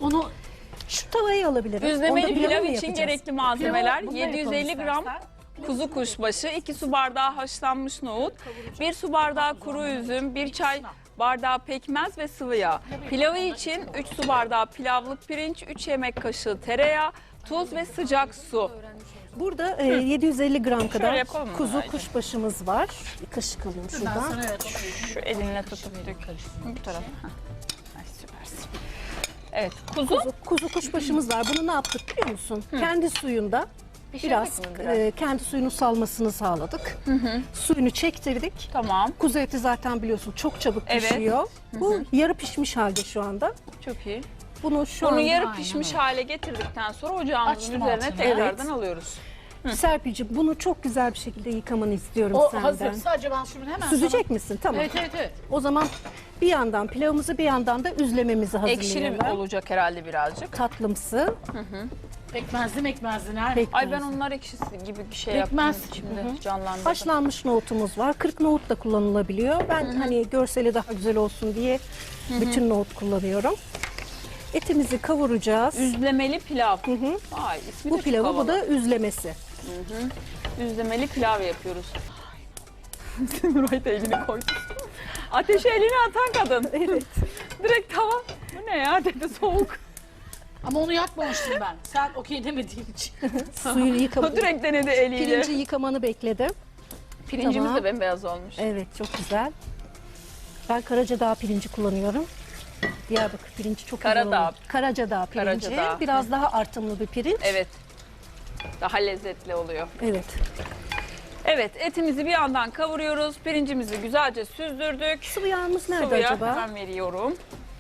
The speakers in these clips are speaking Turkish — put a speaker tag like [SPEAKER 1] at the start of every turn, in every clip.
[SPEAKER 1] Onu
[SPEAKER 2] Şu tavayı alabilirim. Onda
[SPEAKER 3] Düzlemeli
[SPEAKER 2] pilavı
[SPEAKER 3] pilav
[SPEAKER 2] mı
[SPEAKER 3] için
[SPEAKER 2] yapacağız?
[SPEAKER 3] gerekli malzemeler
[SPEAKER 1] Pilavı bununla
[SPEAKER 3] 750
[SPEAKER 1] yapalım
[SPEAKER 3] gram
[SPEAKER 1] istersen.
[SPEAKER 3] kuzu kuşbaşı, 2 su bardağı haşlanmış nohut, 1 su bardağı kuru üzüm, 1 çay bardağı pekmez ve sıvı yağ. Pilavı için 3 su bardağı pilavlık pirinç, 3 yemek kaşığı tereyağı, tuz ve sıcak su.
[SPEAKER 2] Burada 750 gram kadar
[SPEAKER 3] yapalım mı
[SPEAKER 2] kuzu
[SPEAKER 3] Nuray'cığım?
[SPEAKER 2] kuşbaşımız var. Bir kaşık alayım
[SPEAKER 1] ben
[SPEAKER 2] şuradan.
[SPEAKER 1] sana evet.
[SPEAKER 3] Şu elinle tutup dök. Bu tarafa. Heh. Ay, süpersin. Evet, kuzu.
[SPEAKER 2] Kuzu kuşbaşımız var. Bunu ne yaptık biliyor musun? Kendi suyunda biraz,
[SPEAKER 3] mi biraz?
[SPEAKER 2] kendi suyunu salmasını sağladık. Suyunu çektirdik.
[SPEAKER 3] Tamam,
[SPEAKER 2] Kuzu eti zaten biliyorsun çok çabuk
[SPEAKER 3] Evet.
[SPEAKER 2] pişiyor. Bu yarı pişmiş halde şu anda.
[SPEAKER 3] çok iyi.
[SPEAKER 2] Bunu şu
[SPEAKER 3] Bunu
[SPEAKER 2] an
[SPEAKER 3] yarı
[SPEAKER 1] aynen
[SPEAKER 3] pişmiş
[SPEAKER 1] öyle.
[SPEAKER 3] hale getirdikten sonra ocağımızın
[SPEAKER 1] Açtım
[SPEAKER 3] üzerine
[SPEAKER 1] altını.
[SPEAKER 3] tekrardan
[SPEAKER 2] Evet.
[SPEAKER 3] alıyoruz.
[SPEAKER 2] Serpil'cim bunu çok güzel bir şekilde yıkamanı istiyorum
[SPEAKER 1] O
[SPEAKER 2] senden.
[SPEAKER 1] hazır. Sadece ben şunu hemen
[SPEAKER 2] Süzecek misin? Tamam.
[SPEAKER 1] Evet evet evet.
[SPEAKER 2] O zaman bir yandan pilavımızı bir yandan da üzlememizi
[SPEAKER 3] Ekşili
[SPEAKER 2] hazırlayalım.
[SPEAKER 3] olacak herhalde birazcık.
[SPEAKER 2] Tatlımsı.
[SPEAKER 1] Pekmezli nerede?
[SPEAKER 2] Pekmez.
[SPEAKER 3] Ay ben onlar ekşisi gibi bir şey
[SPEAKER 1] Pekmez.
[SPEAKER 3] yaptım içimde canlandırdım.
[SPEAKER 2] Haşlanmış nohutumuz var. 40 nohut da kullanılabiliyor. Ben hani görseli daha güzel olsun diye bütün nohut kullanıyorum. Etimizi kavuracağız.
[SPEAKER 3] Üzlemeli pilav. Ay ismi
[SPEAKER 2] Bu
[SPEAKER 3] de
[SPEAKER 2] pilavı
[SPEAKER 3] çok
[SPEAKER 2] bu
[SPEAKER 3] havalı.
[SPEAKER 2] da üzlemesi.
[SPEAKER 3] Üzlemeli pilav yapıyoruz. Nuray da elini koydu. Ateşe elini atan kadın.
[SPEAKER 2] Evet.
[SPEAKER 3] Direkt tava. Bu ne ya dedi soğuk.
[SPEAKER 1] Ama onu yakmamıştım ben. Sen okey demediğin için.
[SPEAKER 2] Suyunu
[SPEAKER 3] O
[SPEAKER 2] yıkamak.
[SPEAKER 3] direkt denedi eliyle.
[SPEAKER 2] Pirinci yıkamanı bekledim.
[SPEAKER 3] Pirincimiz
[SPEAKER 2] Tamam.
[SPEAKER 3] de bembeyaz olmuş.
[SPEAKER 2] Evet çok güzel. Ben Karacadağ pirinci kullanıyorum. Diyarbakır pirinci çok güzel
[SPEAKER 3] Karadağ.
[SPEAKER 2] oluyor. Karacadağ pirinci.
[SPEAKER 3] Karacadağ.
[SPEAKER 2] Biraz daha artımlı bir pirinç.
[SPEAKER 3] Evet. Daha lezzetli oluyor.
[SPEAKER 2] Evet.
[SPEAKER 3] Evet, etimizi bir yandan kavuruyoruz. Pirincimizi güzelce süzdürdük.
[SPEAKER 2] Sıvı yağımız nerede
[SPEAKER 3] Sıvıya
[SPEAKER 2] acaba?
[SPEAKER 3] hemen veriyorum.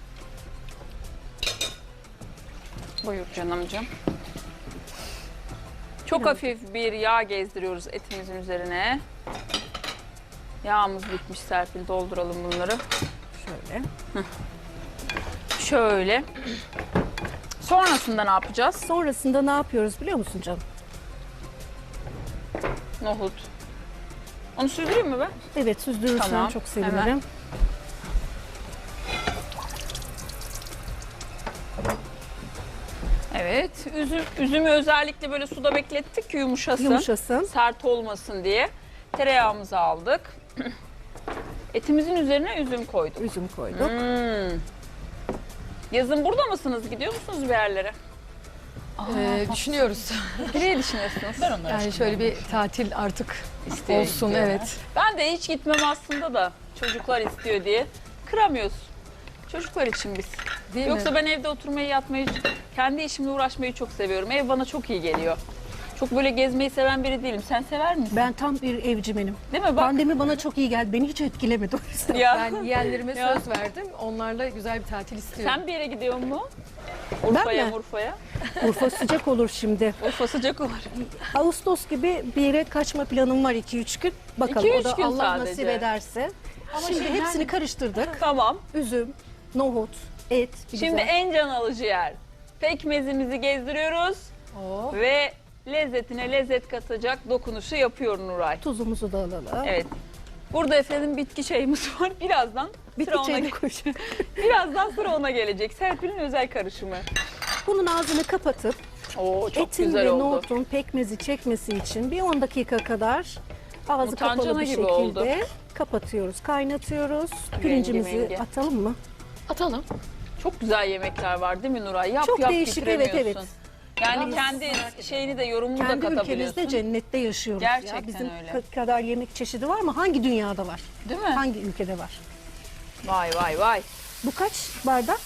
[SPEAKER 3] Buyur canımcığım. Çok hafif bir yağ gezdiriyoruz etimizin üzerine. Yağımız bitmiş Serpil, dolduralım bunları.
[SPEAKER 2] Şöyle.
[SPEAKER 3] Şöyle. Sonrasında ne yapacağız?
[SPEAKER 2] Sonrasında ne yapıyoruz biliyor musun canım?
[SPEAKER 3] Nohut. Onu süzdüreyim mi ben?
[SPEAKER 2] Evet süzdürürsen
[SPEAKER 3] Tamam,
[SPEAKER 2] çok sevinirim.
[SPEAKER 3] hemen. Evet. Üzümü özellikle böyle suda beklettik ki yumuşasın.
[SPEAKER 2] Yumuşasın.
[SPEAKER 3] Sert olmasın diye. Tereyağımızı aldık. Etimizin üzerine üzüm koyduk.
[SPEAKER 2] Üzüm koyduk.
[SPEAKER 3] Yazın burada mısınız? Gidiyor musunuz bir yerlere?
[SPEAKER 4] Düşünüyoruz.
[SPEAKER 3] Nereye düşünüyorsunuz?
[SPEAKER 1] Ben onları
[SPEAKER 4] Yani şöyle bir tatil artık
[SPEAKER 3] İstiyor,
[SPEAKER 4] olsun,
[SPEAKER 3] istiyor.
[SPEAKER 4] evet.
[SPEAKER 3] Ben de hiç gitmem aslında da çocuklar istiyor diye. Kıramıyoruz. Çocuklar için biz.
[SPEAKER 4] Değil
[SPEAKER 3] Yoksa
[SPEAKER 4] mi?
[SPEAKER 3] ben evde oturmayı, yatmayı, kendi işimle uğraşmayı çok seviyorum. Ev bana çok iyi geliyor. Çok böyle gezmeyi seven biri değilim. Sen sever misin?
[SPEAKER 2] Ben tam bir evcimenim.
[SPEAKER 3] Değil mi? Bak.
[SPEAKER 2] Pandemi bana çok iyi geldi. Beni hiç etkilemedi o yüzden.
[SPEAKER 3] Ya.
[SPEAKER 4] Ben yeğenlerime
[SPEAKER 3] Ya.
[SPEAKER 4] söz verdim. Onlarla güzel bir tatil istiyorum.
[SPEAKER 3] Sen bir yere gidiyor mu? Urfa'ya,
[SPEAKER 2] mi?
[SPEAKER 3] Urfa'ya.
[SPEAKER 2] Urfa sıcak olur şimdi.
[SPEAKER 3] Urfa sıcak olur.
[SPEAKER 2] Ağustos gibi bir yere kaçma planım var 2-3 gün. Bakalım
[SPEAKER 3] 2-3
[SPEAKER 2] o da
[SPEAKER 3] gün
[SPEAKER 2] Allah
[SPEAKER 3] sadece.
[SPEAKER 2] nasip ederse.
[SPEAKER 1] Ama
[SPEAKER 2] Şimdi
[SPEAKER 1] şey,
[SPEAKER 2] hepsini
[SPEAKER 1] yani-
[SPEAKER 2] karıştırdık.
[SPEAKER 3] Tamam.
[SPEAKER 2] Üzüm, nohut, et. bir
[SPEAKER 3] Şimdi
[SPEAKER 2] güzel.
[SPEAKER 3] en can alıcı yer. Pekmezimizi gezdiriyoruz
[SPEAKER 4] Oo.
[SPEAKER 3] ve lezzetine lezzet katacak dokunuşu yapıyor Nuray.
[SPEAKER 2] Tuzumuzu da alalım.
[SPEAKER 3] Evet. Burada efendim bitki çayımız var. Birazdan
[SPEAKER 2] Bitki
[SPEAKER 3] sıra ona
[SPEAKER 2] çayını koyacağım.
[SPEAKER 3] Birazdan sıra ona gelecek. Serpil'in özel karışımı.
[SPEAKER 2] Bunun ağzını kapatıp
[SPEAKER 3] Oo çok
[SPEAKER 2] etin
[SPEAKER 3] güzel
[SPEAKER 2] ve
[SPEAKER 3] oldu.
[SPEAKER 2] nohutun pekmezi çekmesi için bir 10 dakika kadar ağzı
[SPEAKER 3] Mutancana
[SPEAKER 2] kapalı bir
[SPEAKER 3] gibi
[SPEAKER 2] şekilde
[SPEAKER 3] oldu.
[SPEAKER 2] kapatıyoruz, kaynatıyoruz. Pirincimizi
[SPEAKER 3] mengi.
[SPEAKER 2] atalım mı?
[SPEAKER 4] Atalım.
[SPEAKER 3] Çok güzel yemekler var değil mi Nuray? Yap
[SPEAKER 2] Çok
[SPEAKER 3] yap
[SPEAKER 2] değişik, evet,
[SPEAKER 3] bitiremiyorsun. Yani
[SPEAKER 2] Yalnız
[SPEAKER 3] kendi şeyini de yorumunu da
[SPEAKER 2] Kendi
[SPEAKER 3] katabiliyorsun.
[SPEAKER 2] ülkemizde cennette yaşıyoruz
[SPEAKER 3] Gerçekten
[SPEAKER 2] ya. Bizim
[SPEAKER 3] öyle.
[SPEAKER 2] kadar yemek çeşidi var mı? Hangi dünyada var?
[SPEAKER 3] Değil mi?
[SPEAKER 2] Hangi ülkede var?
[SPEAKER 3] Vay vay vay.
[SPEAKER 2] Bu kaç bardak?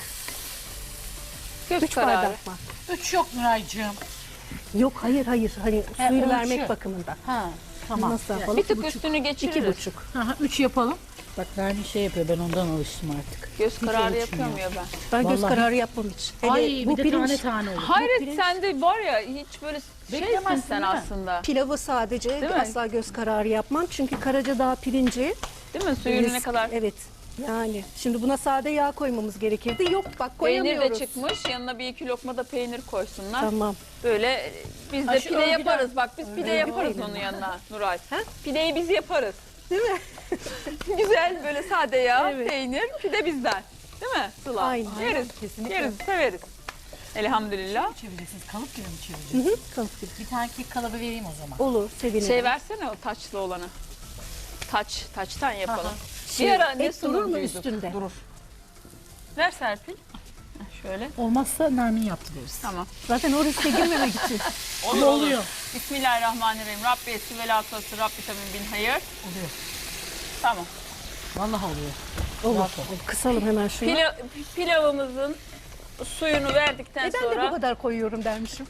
[SPEAKER 3] Göz
[SPEAKER 2] 3
[SPEAKER 3] kararı.
[SPEAKER 2] bardak mı?
[SPEAKER 1] 3 yok Nuray'cığım.
[SPEAKER 2] Yok hayır. Hani
[SPEAKER 1] He,
[SPEAKER 2] suyunu
[SPEAKER 1] ölçü.
[SPEAKER 2] vermek bakımından.
[SPEAKER 1] Ha tamam.
[SPEAKER 2] Nasıl yapalım?
[SPEAKER 3] Bir tık
[SPEAKER 2] 2,5.
[SPEAKER 3] üstünü geçiririz.
[SPEAKER 2] 2,5.
[SPEAKER 1] 3 yapalım. Bak Nermin şey yapıyor, ben ondan alıştım artık.
[SPEAKER 3] Göz kararı
[SPEAKER 1] ölçmüyor.
[SPEAKER 3] yapıyor mu ya ben?
[SPEAKER 2] Ben göz
[SPEAKER 1] Vallahi.
[SPEAKER 2] kararı yapmam hiç. Hele
[SPEAKER 1] Ay
[SPEAKER 2] bu
[SPEAKER 1] bir de
[SPEAKER 2] pirinç
[SPEAKER 1] tane tane olur.
[SPEAKER 3] Hayret
[SPEAKER 2] pirinç-
[SPEAKER 3] sende var ya hiç böyle şeysin
[SPEAKER 1] Beklemezsin
[SPEAKER 3] sen
[SPEAKER 1] değil mi?
[SPEAKER 3] aslında.
[SPEAKER 2] pilavı sadece
[SPEAKER 3] Değil mi?
[SPEAKER 2] asla göz kararı yapmam. Çünkü Karacadağ pirinci
[SPEAKER 3] Değil mi? Suyunu ne kadar
[SPEAKER 2] Evet. Yani şimdi buna sade yağ koymamız gerekirdi. Yok bak
[SPEAKER 3] peynir
[SPEAKER 2] koyamıyoruz.
[SPEAKER 3] de çıkmış. Yanına bir iki lokma da peynir koysunlar.
[SPEAKER 2] Tamam.
[SPEAKER 3] Böyle biz de
[SPEAKER 1] Ha, şu
[SPEAKER 3] pide
[SPEAKER 1] örgüden-
[SPEAKER 3] yaparız. Bak biz pide
[SPEAKER 2] Örgü
[SPEAKER 3] yaparız
[SPEAKER 2] peyniri.
[SPEAKER 3] onun yanına Nuray.
[SPEAKER 2] Ha?
[SPEAKER 3] Pideyi biz yaparız.
[SPEAKER 2] Değil mi?
[SPEAKER 3] Güzel böyle sade yağ,
[SPEAKER 2] Evet.
[SPEAKER 3] peynir, pide bizden. Değil mi Sıla?
[SPEAKER 2] Aynen.
[SPEAKER 3] Yeriz,
[SPEAKER 4] Kesinlikle.
[SPEAKER 3] yeriz, severiz. Elhamdülillah.
[SPEAKER 1] Çevireceksiniz. Kalıp gibi mi çevireceksiniz?
[SPEAKER 2] Kalıp gibi.
[SPEAKER 1] Bir tane kek kalıbı vereyim o zaman.
[SPEAKER 2] Olur, sevinirim.
[SPEAKER 3] Şey versene o taçlı olanı. Taçtan yapalım.
[SPEAKER 1] Aha.
[SPEAKER 3] Bir ara ne
[SPEAKER 2] Et durur mu
[SPEAKER 3] sunucuyduk?
[SPEAKER 2] üstünde?
[SPEAKER 3] Durur. Ver Serpil. Heh, şöyle.
[SPEAKER 1] Olmazsa Nermin yaptı deriz.
[SPEAKER 3] Tamam.
[SPEAKER 2] Zaten o riske girmemek için.
[SPEAKER 3] Olur,
[SPEAKER 1] oluyor.
[SPEAKER 3] Bismillahirrahmanirrahim. Rabbi esi ve latası, Rabbi tamin bin hayır.
[SPEAKER 1] Oluyor.
[SPEAKER 3] Tamam.
[SPEAKER 1] Vallahi oluyor.
[SPEAKER 2] Olur. Kısalım hemen şunu.
[SPEAKER 3] Pilavımızın suyunu verdikten
[SPEAKER 2] Ben de bu
[SPEAKER 3] sonra.
[SPEAKER 2] kadar koyuyorum dermişim.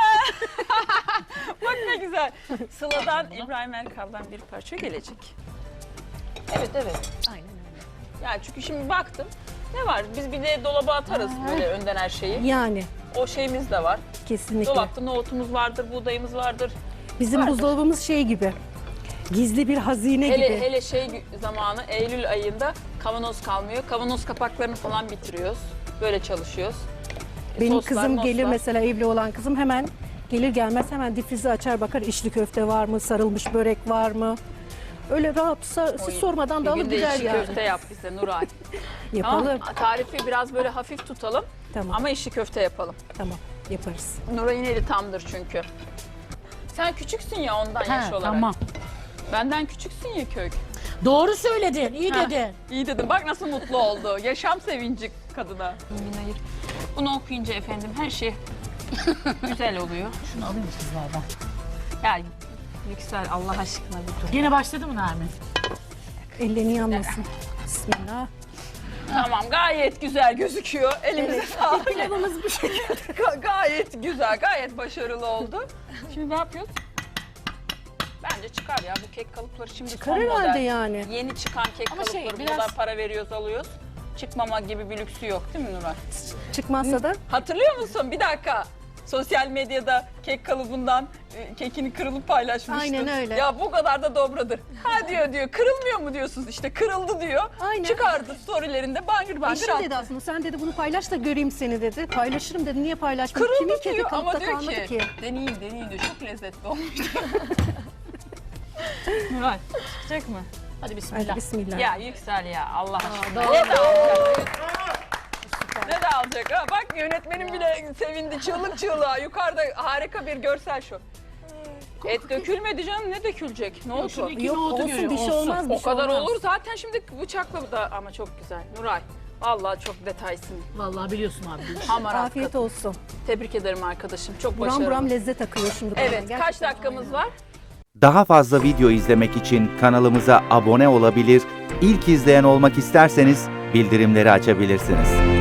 [SPEAKER 3] Bak ne güzel. Sıla'dan İbrahim Erkal'dan bir parça gelecek. Evet.
[SPEAKER 2] Aynen öyle.
[SPEAKER 3] Yani çünkü şimdi baktım. Ne var? Biz bir de dolaba atarız böyle önden her şeyi.
[SPEAKER 2] Yani
[SPEAKER 3] O şeyimiz de var.
[SPEAKER 2] kesinlikle.
[SPEAKER 3] Dolapta nohutumuz vardır, buğdayımız vardır.
[SPEAKER 2] Bizim
[SPEAKER 3] vardır.
[SPEAKER 2] buzdolabımız şey gibi. Gizli bir hazine
[SPEAKER 3] Hele
[SPEAKER 2] gibi.
[SPEAKER 3] hele şey zamanı Eylül ayında kavanoz kalmıyor. Kavanoz kapaklarını falan bitiriyoruz. Böyle çalışıyoruz.
[SPEAKER 2] Benim
[SPEAKER 3] Soslar,
[SPEAKER 2] kızım gelir
[SPEAKER 3] moslar.
[SPEAKER 2] mesela, evli olan kızım hemen gelir gelmez hemen difrizi açar bakar, içli köfte var mı, sarılmış börek var mı? Öyle rahat siz sormadan da
[SPEAKER 3] Bir
[SPEAKER 2] alıp
[SPEAKER 3] gün de
[SPEAKER 2] gider
[SPEAKER 3] içli
[SPEAKER 2] yani.
[SPEAKER 3] köfte yap bize Nuray.
[SPEAKER 2] Yapalım.
[SPEAKER 3] Tamam. Tarifi biraz böyle hafif tutalım
[SPEAKER 2] Tamam.
[SPEAKER 3] ama içli köfte yapalım.
[SPEAKER 2] Tamam, yaparız.
[SPEAKER 3] Nuray'ın eli tamdır çünkü. Sen küçüksün ya ondan yaş olarak.
[SPEAKER 1] Tamam.
[SPEAKER 3] Benden küçüksün ya kök.
[SPEAKER 1] Doğru söyledin. İyi
[SPEAKER 3] Ha,
[SPEAKER 1] dedin.
[SPEAKER 3] İyi dedim. Bak nasıl mutlu oldu. Yaşam sevinci kadına. Hayır. Bunu okuyunca efendim her şey güzel oluyor.
[SPEAKER 1] Şunu alayım sizlerden.
[SPEAKER 3] Yani Yüksel Allah aşkına bir dur.
[SPEAKER 1] Yine başladı mı Nermin?
[SPEAKER 2] Ellerini yanmasın. Bismillah.
[SPEAKER 3] Tamam gayet güzel gözüküyor. Elimize sağlık.
[SPEAKER 2] Pilavımız bu şekilde.
[SPEAKER 3] Gayet güzel, gayet başarılı oldu. Şimdi ne yapıyoruz? Bence çıkar ya bu kek kalıpları şimdi
[SPEAKER 2] Çıkar
[SPEAKER 3] son
[SPEAKER 2] herhalde
[SPEAKER 3] model.
[SPEAKER 2] yani.
[SPEAKER 3] Yeni çıkan kek
[SPEAKER 1] Ama şey,
[SPEAKER 3] kalıpları bu
[SPEAKER 1] biraz-
[SPEAKER 3] kadar para veriyoruz alıyoruz. Çıkmama gibi bir lüksü yok değil mi Nuray?
[SPEAKER 2] Çıkmazsa da
[SPEAKER 3] Hatırlıyor musun? Bir dakika. Sosyal medyada kek kalıbından kekini kırılıp paylaşmıştın.
[SPEAKER 2] Aynen öyle.
[SPEAKER 3] Ya bu kadar da dobradır. Ha diyor kırılmıyor mu diyorsunuz? İşte kırıldı diyor.
[SPEAKER 2] Aynen.
[SPEAKER 3] Çıkardı storylerinde bangır bangır
[SPEAKER 2] eşim
[SPEAKER 3] attı.
[SPEAKER 2] dedi aslında, sen dedi bunu paylaş da göreyim seni dedi. Paylaşırım dedi, niye paylaşmadın? Kimin
[SPEAKER 3] Kırıldı
[SPEAKER 2] kedi
[SPEAKER 3] diyor ama
[SPEAKER 2] kalıpta
[SPEAKER 3] diyor
[SPEAKER 2] kalmadı
[SPEAKER 3] ki,
[SPEAKER 2] ki?
[SPEAKER 3] deneyin diyor. Çok lezzetli olmuş. Nuray çıkacak mı?
[SPEAKER 1] Hadi bismillah.
[SPEAKER 2] Hadi bismillah.
[SPEAKER 3] Ya Yüksel ya Allah aşkına. Ne de alacak? Ne de alacak ha? Bak yönetmenim bile sevindi çığlık çığlığa. Yukarıda harika bir görsel şu. Et dökülmedi canım ne dökülecek? Ne oldu?
[SPEAKER 1] Şunu iki
[SPEAKER 2] Yok,
[SPEAKER 1] nohutu
[SPEAKER 2] olsun,
[SPEAKER 1] görüyor,
[SPEAKER 2] bir şey
[SPEAKER 1] olsun.
[SPEAKER 2] olmaz. Bir
[SPEAKER 3] O
[SPEAKER 2] şey
[SPEAKER 3] kadar
[SPEAKER 2] olmaz.
[SPEAKER 3] olur zaten şimdi bıçakla da ama çok güzel. Nuray vallahi çok detaysın.
[SPEAKER 1] Vallahi biliyorsun abi.
[SPEAKER 3] Hamarat
[SPEAKER 2] Afiyet
[SPEAKER 3] kadın.
[SPEAKER 2] olsun.
[SPEAKER 3] Tebrik ederim arkadaşım. Çok
[SPEAKER 2] Buram
[SPEAKER 3] başarılı.
[SPEAKER 2] buram lezzet akıyor şimdi. bana.
[SPEAKER 3] Evet kaç
[SPEAKER 2] Gerçekten.
[SPEAKER 3] dakikamız var?
[SPEAKER 5] Daha fazla video izlemek için kanalımıza abone olabilir, ilk izleyen olmak isterseniz bildirimleri açabilirsiniz.